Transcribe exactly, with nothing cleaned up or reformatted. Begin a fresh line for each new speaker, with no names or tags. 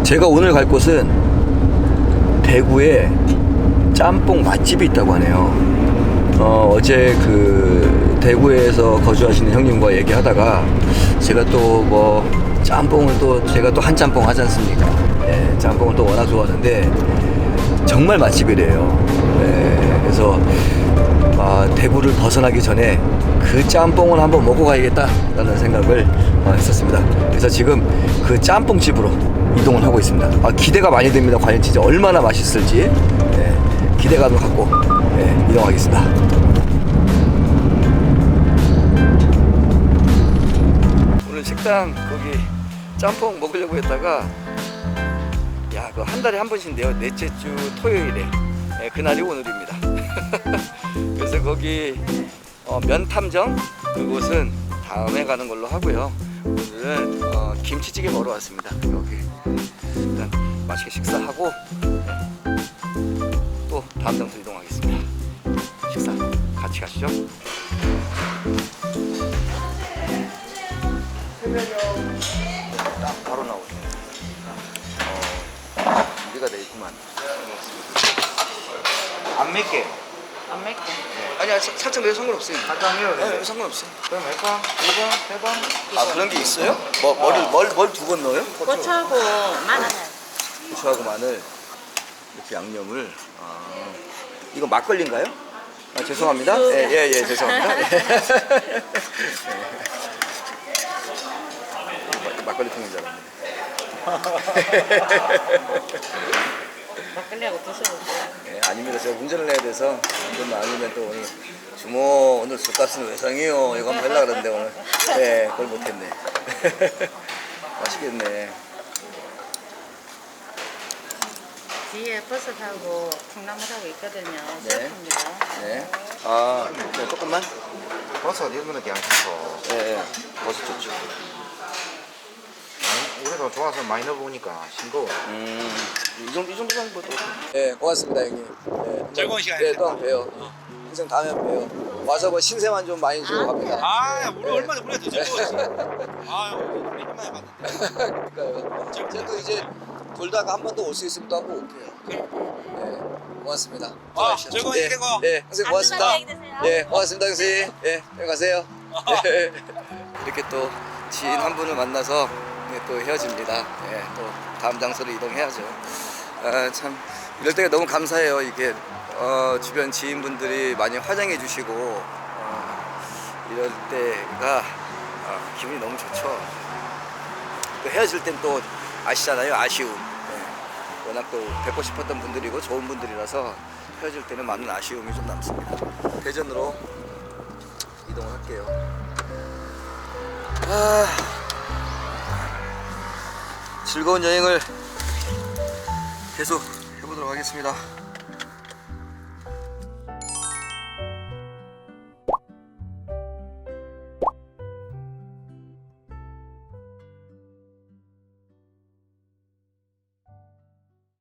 제가 오늘 갈 곳은 대구에 짬뽕 맛집이 있다고 하네요. 어, 어제 그 대구에서 거주하시는 형님과 얘기하다가 제가 또 뭐 짬뽕을 또 제가 또 한 짬뽕 하지 않습니까? 예, 짬뽕을 또 워낙 좋아하는데 정말 맛집이래요. 예, 그래서 아, 대구를 벗어나기 전에 그 짬뽕을 한번 먹고 가야겠다라는 생각을 어, 했었습니다. 그래서 지금 그 짬뽕집으로 이동을 하고 있습니다. 아, 기대가 많이 됩니다. 과연 진짜 얼마나 맛있을지 예, 기대감을 갖고 예, 이동하겠습니다. 오늘 식당 거기 짬뽕 먹으려고 했다가 야, 그 한 달에 한 번씩인데요. 넷째 주 토요일에 예, 그날이 오늘입니다. 그래서 거기 어, 면탐정 그곳은 다음에 가는 걸로 하고요. 오늘은 어, 김치찌개 먹으러 왔습니다. 여기 일단 맛있게 식사하고 또 다음 장소로 이동하겠습니다. 식사 같이 가시죠. 딱 바로 나오네요. 어, 준비가 돼 있구만.
안 맵게.
안 맵게.
아니야, 사- 살짝 매도 상관없어요.
간장이요.
네, 상관없어요.
그럼 몇 번? 두 번? 세 번?
아, 그런 게 있어요? 뭐, 뭐를, 뭘, 뭘 두 번 넣어요?
고추하고 마늘.
고추하고 마늘 이렇게 양념을. 아, 이거 막걸리인가요? 아, 죄송합니다. 예, 예, 예, 죄송합니다. 예. 막- 막걸리 통인 줄 알았네.
막걸리하고 드셔보세요.
예, 아닙니다. 제가 운전을 해야 돼서 운전만 아니면 또 오늘 주모 오늘 술값은 외상이요 이거 한번 하려고 그랬는데 오늘 예, 그걸 못했네. 맛있겠네.
뒤에 버섯하고 콩나물하고 있거든요.
네.
셀프입니다.
네. 아, 네, 조금만?
버섯 이런 거는 괜찮고.
예, 예. 버섯 좋죠.
우리도 좋아서 많이 넣어보니까 싱거워.
음, 이 정도, 이 정도만 뭐. 네, 고맙습니다, 형님. 네,
즐거운 시간이었습니다.
네, 또 한번 봬요. 항상 다음에 한번 봬요. 와서 뭐 신세만 좀 많이 주고 갑니다.
아, 우리
네.
얼마나 우리가 더 즐거웠어. 아, 우리 힘만에 봤는데.
그러니까요. 제가 또 이제 돌다가 한 번 더 올 수 있으면 또 한번 올게요. 네, 고맙습니다.
아,
수고하십시오.
즐거운
네,
일이고.
네, 선생님 고맙습니다.
안전하게 되세요.
네, 고맙습니다, 선생님. 네, 여기 가세요. 네. 이렇게 또 지인 한 분을 만나서 네, 또 헤어집니다. 네, 또 다음 장소로 이동해야죠. 아, 참 이럴 때가 너무 감사해요. 이게 어, 주변 지인분들이 많이 화장해 주시고 어, 이럴 때가 어, 기분이 너무 좋죠. 또 헤어질 땐 또 아시잖아요, 아쉬움. 네, 워낙 또 뵙고 싶었던 분들이고 좋은 분들이라서 헤어질 때는 많은 아쉬움이 좀 남습니다. 대전으로 이동을 할게요. 아, 즐거운 여행을 계속 해보도록 하겠습니다.